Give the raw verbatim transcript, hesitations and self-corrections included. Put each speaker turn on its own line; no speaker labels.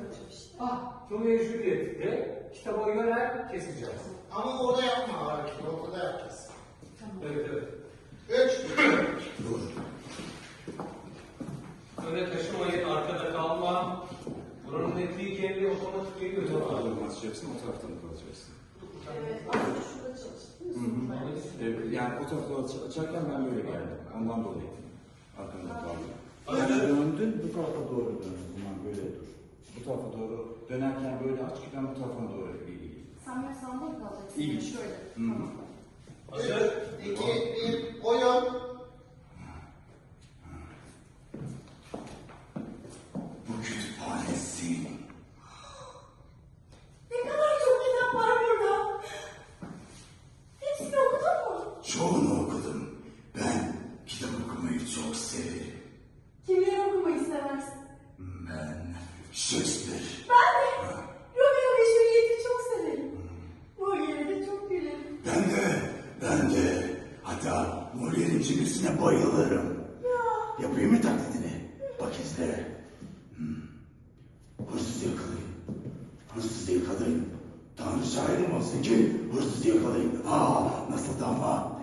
olacak işte.
Ah, Romeo ve Juliet'te kitaba yönel keseceğiz.
Ama orada yapma hareketi, ortada yapacağız.
Tamam.
Evet, evet.
Üç.
Dur.
Öne taşımayın, arkada kalma. Buranın netliği kendi otomatik geliyor.
Bu tarafa doğru basacaksın, o taraftan da kalacaksın.
Evet, aslında şurada çalıştık değil mi?
Hı hı. Evet, yani o tarafa doğru açarken ben böyle geldim. Ondan dolayı. Arkamda kaldım. Yani döndün, bu tarafa doğru döndün. Bundan böyle dur. Bu tarafa doğru dönerken böyle aç ki ben bu tarafa doğru eğileyim.
Sen böyle sağda mı kalacaksın?
İyi.
Şöyle.
Hı hı.
Tamam.
Hazır.
Üç, iki, bir, oyun.
Bu kütüphanesin.
Ne kadar çok kitap var burada. Hepsini okudun mu?
Çoğunu okudum. Ben kitap okumayı çok severim.
Kimleri okumayı seversin?
Ben Shakespeare.
Ben de Romeo ve Juliet'i çok severim. Molière'e de çok gülerim.
Ben de, ben de. Hatta Molière'in cimrisine bayılırım.
Ya.
Yapayım mı taklidini? Bak izle. Hmm. Hırsız yakalayın. Hırsızı yakalayın. Tanrı şahidim olsun ki hırsızı yakalayın. Aa, nasıl da ama?